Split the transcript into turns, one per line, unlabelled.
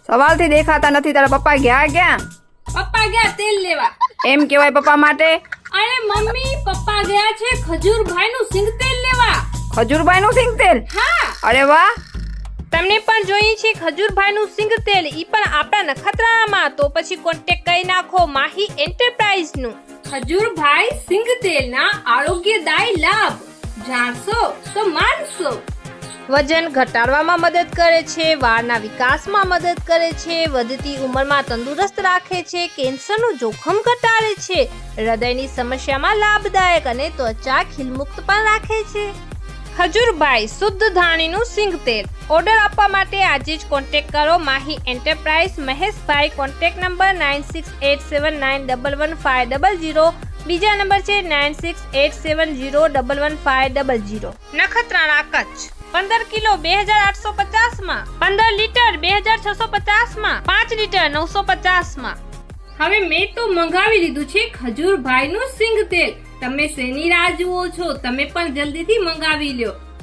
સવાલથી દેખાતા નથી. તારા પપ્પા ગયા ક્યાં?
પપ્પા ગયા તેલ લેવા.
એમ કેવાય પપ્પા માટે?
અરે મમ્મી, પપ્પા ગયા છે ખજૂરભાઈ નું સિંગ તેલ લેવા.
ખજૂરભાઈ નું સિંગ તેલ?
હા.
અરે વાહ.
તમને પણ જોઈએ છે ખજૂરભાઈ નું સિંગ તેલ, ઈ પણ આપણા નખત્રાણામાં? તો પછી કોન્ટેક્ટ કરી નાખો માહી એન્ટરપ્રાઇઝ નું.
ખજૂરભાઈ સિંગ તેલ ના આરોગ્યદાયી લાભ જાણશો તો માનશો.
વજન ઘટાડવામાં મદદ કરે છે, વાળના વિકાસમાં મદદ કરે છે, વધતી ઉંમરમાં તંદુરસ્ત રાખે છે, કેન્સરનું જોખમ ઘટાડે છે, હૃદયની સમસ્યામાં લાભદાયક અને ત્વચા ખીલમુક્ત પણ રાખે છે. ખજૂરભાઈ શુદ્ધ ધાણીનું સિંગ તેલ. ઓર્ડર આપવા માટે આજે જ કોન્ટેક્ટ કરો Mahi enterprise Maheshbhai. Contact number 9687911500. બીજા નંબર છે 9687011500. નખત્રાણા કચ્છ. 15 કિલો 2850 માં, 15 લીટર 2650 માં, 5 લીટર 950 માં.
હવે મેં તો મંગાવી લીધું છે ખજૂરભાઈ નું સિંગ તેલ. તમે શેની રાહ જુઓ છો? તમે પણ જલ્દીથી મંગાવી લ્યો.